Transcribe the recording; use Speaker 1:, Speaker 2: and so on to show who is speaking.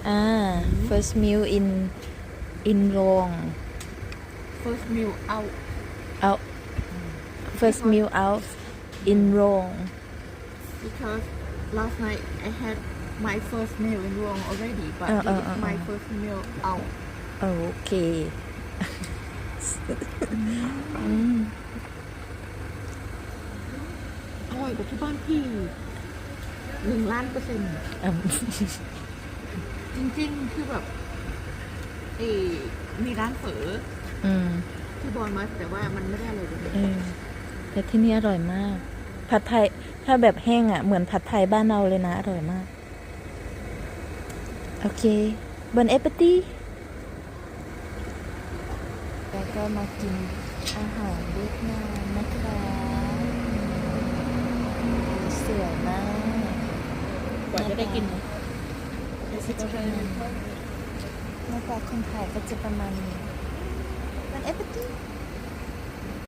Speaker 1: first meal in Rome
Speaker 2: first meal out
Speaker 1: out first meal out in Rome
Speaker 2: because last night I had my first meal in Rome already but this is my first meal out
Speaker 1: โอเค
Speaker 2: อร่อยกว่าที่บ้านพี่1,000,000%จริงๆคือแบบมีร้านเฝอที่บอลมาแต่ว่ามันไม่ได้อร่อยเลย
Speaker 1: แต่ที่นี่อร่อยมากผัดไทยถ้าแบบแห้งอ่ะเหมือนผัดไทยบ้านเราเลยนะอร่อยมากโอเคบอนเอปตี้แล้วก็มากินอาหารเวียดนามนะคะสวยมาก
Speaker 2: กว่าจะได้กิน
Speaker 1: หน้าตาคนไทยก็จะประมาณนี้บอนเอปตี้